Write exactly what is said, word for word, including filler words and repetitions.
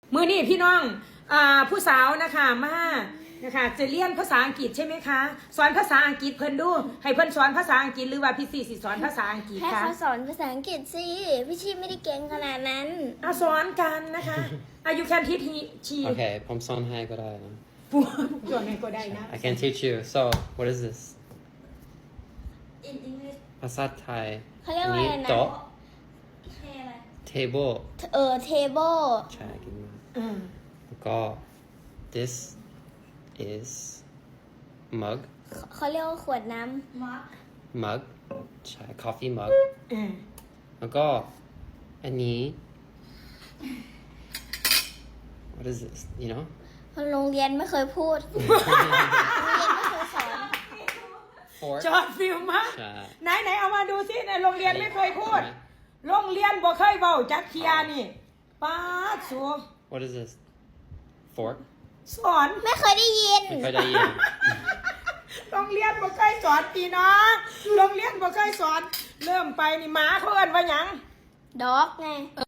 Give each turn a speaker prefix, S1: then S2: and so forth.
S1: มือนี่พี่น้องอ่าผู้สาวนะคะมานะคะจะเรียนภาษาอังกฤษใช่ไหมคะสอนภาษาอังกฤษเพิ่นดูให้เพิ่นสอนภาษาอังกฤษหรือว่าพี่สี่สิสอนภาษาอังกฤษ
S2: ให้
S1: คะ
S2: เขาสอนภาษาอังกฤษสิพี่ชีไม่ได้เก่งขนาดนั้น
S1: เอาสอนกันนะคะอายุแคนทีทีชี
S3: Okay, ผมสอนให้ก็ได้นะ
S1: ปูจวงไงก็ได้นะ
S3: I can teach you. So, what is this?
S4: in English
S3: ภาษาไทย
S2: เขาเรียกว่าอะไรนะ
S3: โต๊ะ
S4: เทอะไร
S3: table
S2: เออ table
S3: ใช่กินมา
S1: อืม
S3: แล้วก็ this is mug
S2: เขาเรียกว่าขวดน้
S4: มาร์ค
S3: mug ใช่ coffee mug
S1: อืม
S3: แล้วก็อันนี้ what is this you know
S2: ำโรงเรียนไม่เคยพูด โรงเรียนไม่เคยสอน
S3: fork
S1: จอดฟิลมาก
S3: ใช่
S1: ไหนไหนเอามาดูสิในโรงเรียนไม่เคยพูดโรงเรียนบ่เคยเบาจักเทียนี่ป้าดสัว
S3: what is this fork
S1: สอน
S2: ไม่เคยได้ยิน
S3: ไม่เคยได้ยิน
S1: โรงเรียนบ่เคยสอนพี่น้องโรงเรียนบ่เคยสอน เริ่มไปนี่หมาเขาเอิ้นว่าหยัง
S2: ด็อกไง